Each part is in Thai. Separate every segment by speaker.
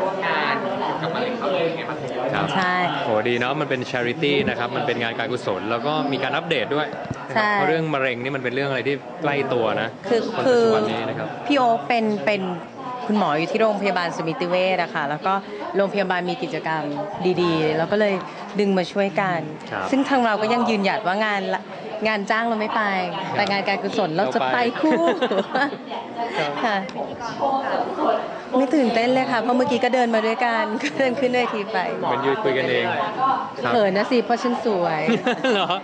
Speaker 1: ร่วมงานกับมะเร็งเขาเลยไงบ้าง
Speaker 2: ครับใช่โหดีเนาะมันเป็น charity นะครับมันเป็นงานการกุศลแล้วก็มีการอัปเดตด้วยเพราะเรื่องมะเร็งนี่มันเป็นเรื่องอะไรที่ใกล้ตัวนะ
Speaker 3: คือ
Speaker 2: วันนี้นะครับ
Speaker 3: พี่โอ๊คเป็นคุณหมออยู่ที่โรงพยาบาลสมิติเวชอะค่ะแล้วก็โรงพยาบาลมีกิจกรรมดีๆแล้วก็เลยดึงมาช่วยกันซึ่งทางเราก็ยังยืนหยัดว่างานจ้างเราไม่ไปแต่งานการกุศลเราจะไปคู่ค่ะไม่ตื่นเต้นเลยค่ะเพราะเมื่อกี้ก็เดินมาด้วยกันก็เดินขึ้นเวทีไป
Speaker 2: มันยืนคุยกันเอง
Speaker 3: เขินนะสิเพราะฉันสวย
Speaker 2: เหรอ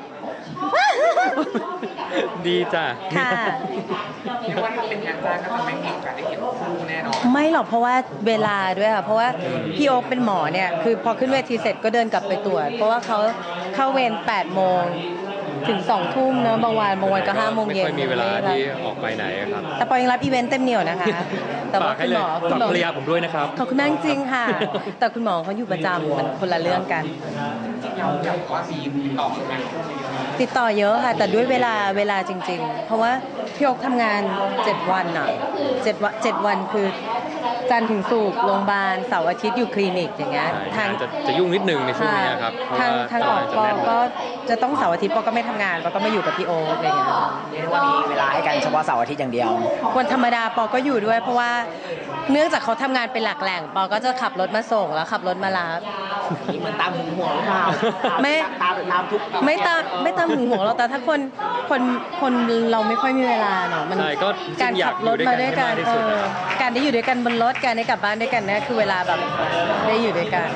Speaker 2: ดีจ้ะ
Speaker 3: ค่ะ
Speaker 1: เรียกว่าถ้าเป็นงานจ้างก็จะไม่มีโอกาสได้เห็นคู่แน่นอน
Speaker 3: ไม่หรอกเพราะว่าเวลาด้วยค่ะเพราะว่าพี่โอ๊คเป็นหมอเนี่ยคือพอขึ้นเวทีเสร็จก็เดินกลับไปตรวจเพราะว่าเขาเข้าเวร8 โมงถึง2 ทุ่มเนอะบางวันก็5 โมงเย็น
Speaker 2: ไม่ค่อยมีเวลาที่ออกไปไหนครับ
Speaker 3: แต่ปอยังรับอีเวนต์เต็มเหนียวนะคะแต่ว่าคุณหมอ
Speaker 2: ฝากภรรยาผมด้วยนะครับ
Speaker 3: ขอบคุณมากจริงค่ะแต่คุณหมอเขาอยู่ประจำมันคนละเรื่องกัน
Speaker 1: เราอยากว่ามี
Speaker 3: ติดต่อเยอะค่ะแต่ด้วยเวลาจริงๆเพราะว่าพี่โอ๊คทำงาน7 วันอ่ะ7 วันคือจันทร์ถึงศุกร์โรงพยาบาลเสาร์อาทิตย์อยู่คลินิกอย่างเงี้ย
Speaker 2: ทางจะยุ่งนิดนึงในช่วงนี้ครับ
Speaker 3: ทางออกปอก็จะต้องเสาร์อาทิตย์ปอก็ไม่ทำงานปอก็มาอยู่กับพี่โอ๊คอะไรเงี้ย
Speaker 4: เรียกว่ามีเวลาให้กันเฉพาะเสาร์อาทิตย์อย่างเดียว
Speaker 3: วันธรรมดาปอก็อยู่ด้วยเพราะว่าเนื่องจากเขาทำงานเป็นหลักแหล่งปอก็จะขับรถมาส่งแล้วขับรถมารับ
Speaker 4: นี่เหมือนตามหึงหวงหรือเปล่า
Speaker 3: ไม่
Speaker 4: ตามทุก
Speaker 3: ไม่ตามหึงหวงเราแต่ถ้าคนเราไม่ค่อยมีเวลาเนาะมันการขับรถมาด้วยกันการได้อยู่ด้วยกันบนรถการได้กลับบ้านด้วยกันเนี่ยคือเวลาแบบได้อยู่ด้วยกัน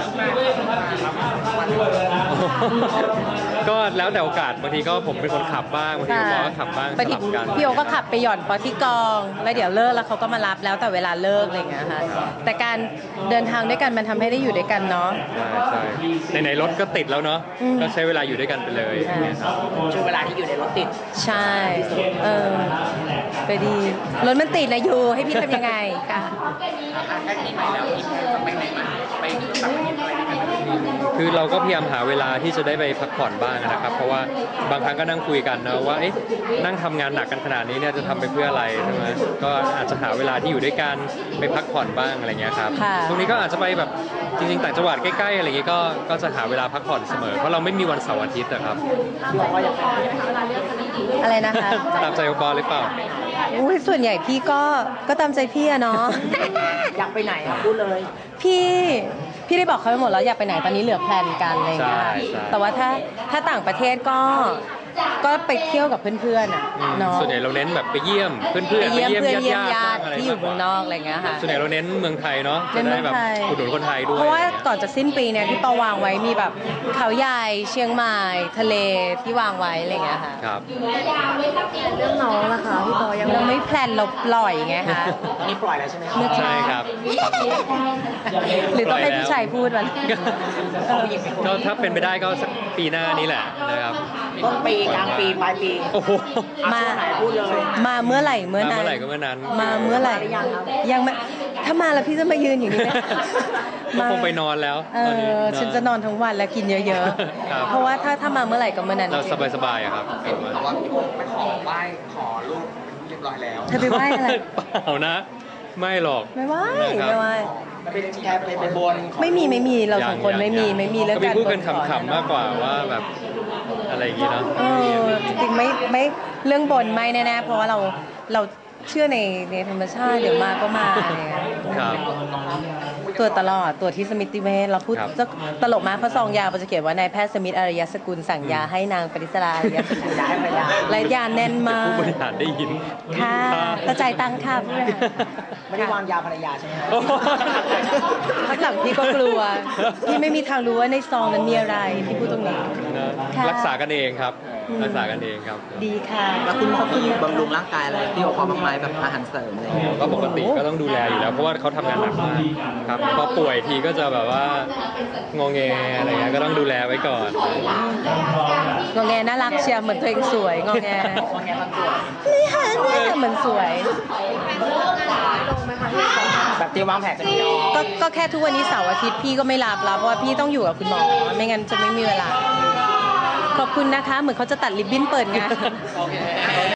Speaker 2: ก็แล้วแต่โอกาสบางทีก็ผมเป็นคนขับบ้างบางทีปอก็ขับบ้างสลับกัน
Speaker 3: พี่โอก็ขับไปหย่อนปอที่กองแล้วเดี๋ยวเลิกแล้วเขาก็มารับแล้วแต่เวลาเลิกอะไรอย่างเงี้ยค่ะแต่การเดินทางด้วยกันมันทำให้ได้อยู่ด้วยกันเนาะ
Speaker 2: ใช่ในรถก็ติดแล้วเนาะก็ใช้เวลาอยู่ด้วยกันไปเลย
Speaker 4: ช่วงเวลาที่อยู่ในรถติด
Speaker 3: ใช่ไปดีรถมันติดนะอยู่ให้พี่ทำยังไงค่ะ
Speaker 1: ใกล้ปีใหม่แล้วมีแผนจะไปไหนมาไปต่างประเทศอะไรกัน
Speaker 2: คือเราก็พยายามหาเวลาที่จะได้ไปพักผ่อนบ้างนะครับเพราะว่าบางครั้งก็นั่งคุยกันนะว่านั่งทำงานหนักกันขนาดนี้เนี่ยจะทำไปเพื่ออะไรใช่ไหมก็อาจจะหาเวลาที่อยู่ด้วยกันไปพักผ่อนบ้างอะไรเงี้ยครับตรงนี้ก็อาจจะไปแบบจริงๆต่างจังหวัดใกล้ๆอะไรเงี้ยก็จะหาเวลาพักผ่อนเสมอเพราะเราไม่มีวันเสาร์อาทิตย์นะครับ
Speaker 3: อะไรนะคะ
Speaker 2: ตามใจองค์กรหรือเปล่า
Speaker 3: ส่วนใหญ่พี่ก็ตามใจพี่อะเนาะ
Speaker 4: อยากไปไหนครับพูดเลย
Speaker 3: พี่ได้บอกเขาไปหมดแล้วอยากไปไหนตอนนี้เหลือแพลนกันอะไรอย่างเงี้ยแต่ว่าถ้าต่างประเทศก็ไปเที่ยวกับเพื่อนๆอ่ะเนาะ
Speaker 2: ส่วนใหญ่เราเน้นแบบไปเยี่ยมเพื่อนๆไปเยี่ยมญาติ
Speaker 3: ที่อยู่เมืองนอกอะไรเงี้ยค่ะ
Speaker 2: ส่วนใหญ่เราเน้นเมืองไทยเนาะจะได้แบบอุดหนุนคนไทยด้วย
Speaker 3: เพราะว่าก่อนจะสิ้นปีเนี่ยที่ปอวางไว้มีแบบเขาใหญ่เชียงใหม่ทะเลที่วางไว้อะไรเงี้ยค่ะ
Speaker 2: ครับ
Speaker 3: เรื่องน้องล่ะคะพี่ปอยังไม่แพลนเราปล่อยไงคะ
Speaker 4: นี่ปล่อยแล้วใช่ไหม
Speaker 2: ใช่ครับ
Speaker 3: หรือต้องให้ผู้ชายพูดมัน
Speaker 2: ก็ถ้าเป็นไปได้ก็สักปีหน้านี้แหละนะครับ
Speaker 4: ต้นปีกลางปีปลายปี
Speaker 2: โอ้โห
Speaker 3: มา
Speaker 4: ไหนพูดเลย
Speaker 3: มาเมื่อไหร่เมื่อนั้น
Speaker 2: ก็เมื่อนั้น
Speaker 3: มาเมื่อไหร่ยังไม่ถ้ามาแล้วพี่จะมายืนอย่างนี้ไหม
Speaker 2: คงไปนอนแล้ว
Speaker 3: ฉันจะนอนทั้งวันแล้วกินเยอะๆเพราะว่าถ้ามาเมื่อไหร่ก็เมื่อนั้น
Speaker 2: เราสบายๆครับ
Speaker 1: แต่ว่าพี่โอ๊คไปขอไหว้ขอลูกเรียบร้อยแล้ว
Speaker 3: เธอไปไหว้อะไร
Speaker 2: เปล่านะไม่หรอก
Speaker 3: ไม่ไหว้
Speaker 4: เป็นแค่ไปบน
Speaker 3: ไม่มีเราสองคนไม่มีเรื่องการ
Speaker 2: พูดกันขำๆมากกว่าว่าแบบอะไรอย่างงี้เนาะ
Speaker 3: จริงๆไม่เรื่องบนไม่แน่ๆเพราะว่าเราเชื่อในธรรมชาติเดี๋ยวมาก็มาเนี่ยตัวตลอดตัวที่สมิติเวชเราพูดตลกมากเพราะซองยาเราจะเขียนว่านายแพทย์สมิธอารยสกุลสั่งยาให้นางปริศราอารยสกุล
Speaker 4: ย้ายภรรยา
Speaker 3: และยาแน่นมาก
Speaker 2: ผู้บริหารได้ยิน
Speaker 3: ค่ะกระจายตังค่ะ
Speaker 4: ไม่ได้วางยาภรรยาใช่ไหม
Speaker 3: พักหลังพี่ก็กลัวพี่ไม่มีทางรู้ว่าในซองนั้นมีอะไรพี่พูดตรงนี้
Speaker 2: รักษากันเองครับรักษากันเองครับ
Speaker 3: ดีค่ะ
Speaker 4: แล้วคุณหมอมีบำรุงร่างกายอะไรที่เขาบ้างไหมแบบอาหารเสริมอะไรอย่างเงี้ย
Speaker 2: ก็ปกติก็ต้องดูแลอยู่แล้วเพราะว่าเขาทำงานหนักมากครับพอป่วยทีก็จะแบบว่างอแงอะไรเงี้ยก็ต้องดูแลไว้ก่อน
Speaker 3: งอแงน่ารักเชียร์เหมือนตัวเองสวยงอแงนี่ค่ะเนี่ยเหมือนสวย
Speaker 4: แบบที่วางแผนจะมี
Speaker 3: ก็แค่ทุกวันนี้เสาร์อาทิตย์พี่ก็ไม่รับเพราะว่าพี่ต้องอยู่กับคุณหมอไม่งั้นจะไม่มีเวลาขอบคุณนะคะเหมือนเขาจะตัดริบบิ้นเปิดงาน